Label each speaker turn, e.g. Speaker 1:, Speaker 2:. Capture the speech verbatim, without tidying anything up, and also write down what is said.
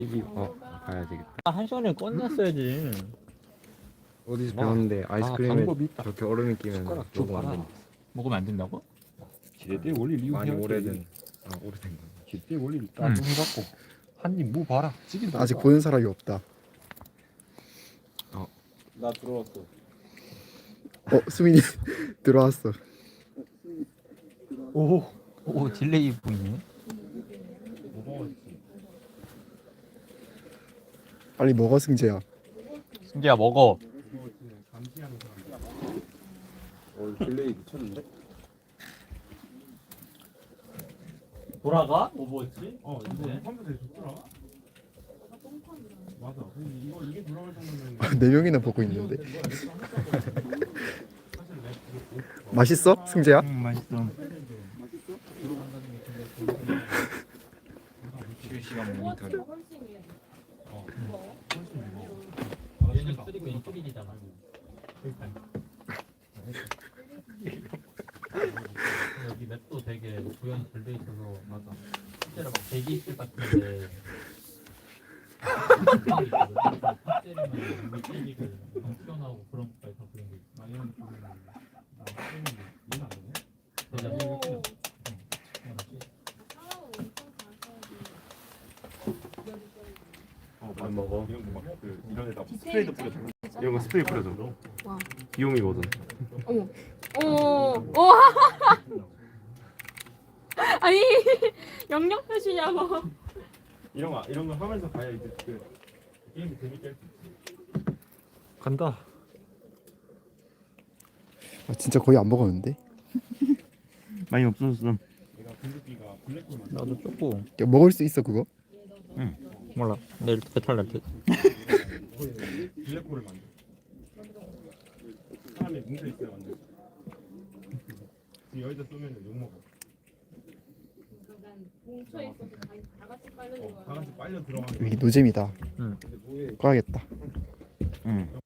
Speaker 1: 이기 어 가야 되겠다.
Speaker 2: 아, 한 시간에 끝났어야지.
Speaker 1: 어디서
Speaker 2: 와.
Speaker 1: 배웠는데 아이스크림에
Speaker 3: 방법이 있다.
Speaker 1: 저렇게 얼음이 끼면
Speaker 3: 숟가락 쭉
Speaker 1: 녹으면 안
Speaker 3: 빨아.
Speaker 1: 된다.
Speaker 2: 먹으면 안 된다고?
Speaker 3: 지렛대 원리 리우
Speaker 1: 많이
Speaker 3: 해야
Speaker 1: 오래된
Speaker 3: 돼.
Speaker 1: 어 오래된 거.
Speaker 3: 지렛대 원리를 딱 좀 해갖고 한 입 무 봐라. 찌긴다.
Speaker 4: 아직 보는 사람이 없다.
Speaker 3: 나 들어왔어.
Speaker 4: 어, 수민이 들어왔어.
Speaker 2: 오, 오 딜레이 보이네.
Speaker 4: 빨리 먹어, 승재야.
Speaker 2: 승재야 먹어.
Speaker 3: 어 딜레이 미쳤는데?
Speaker 2: 돌아가? 오버워치? 어, 이제.
Speaker 3: 컴퓨터에 좋더라. 맞아. 이거 이게 돌아갈 정도면
Speaker 4: 네 명이나 보고 있는데. 맛있어, 승재야?
Speaker 2: 음, 맛있어. 실시간 모니터링. 얘는 쓰리고 쓰리디잖아. 여기 맵도 되게 구현이 잘 돼 있어서 맞아. 실제로 막 대기 있을 것 같은데. 때리면 튀기고 튀어나오고 그런 것까지 다 그런 게 있어. 이런 기분이
Speaker 1: 어, 안 먹어.
Speaker 3: 이런 거막그 이런 데다 스프레이도 뿌려줘. 이런 거 스프레이 뿌려줘.
Speaker 5: 와.
Speaker 3: 귀요미거든.
Speaker 5: 어머. 어머. 와. 아니 영역 표시냐고.
Speaker 3: 이런 거 이런 거 하면서 가야 이제 그 게임이 재밌게 할 수 있지.
Speaker 2: 간다.
Speaker 4: 아, 진짜 거의 안 먹었는데.
Speaker 2: 많이 없어졌어.
Speaker 3: 내가 블루비가 블랙홀 만들.
Speaker 2: 나도 쪼고.
Speaker 4: 야, 먹을 수 있어 그거?
Speaker 2: 몰라. 내일 배탈 날 듯.
Speaker 3: 블랙홀을 만들. 사람이 뭉쳐 있어야 만들. 여기다 쏘면 욕 먹어.
Speaker 5: 뭉쳐 있어서 다 같이 빨려
Speaker 3: 어, 다 같이 빨려 들어가는.
Speaker 4: 여기 노잼이다.
Speaker 2: 응.
Speaker 4: 꺼야겠다.
Speaker 2: 응.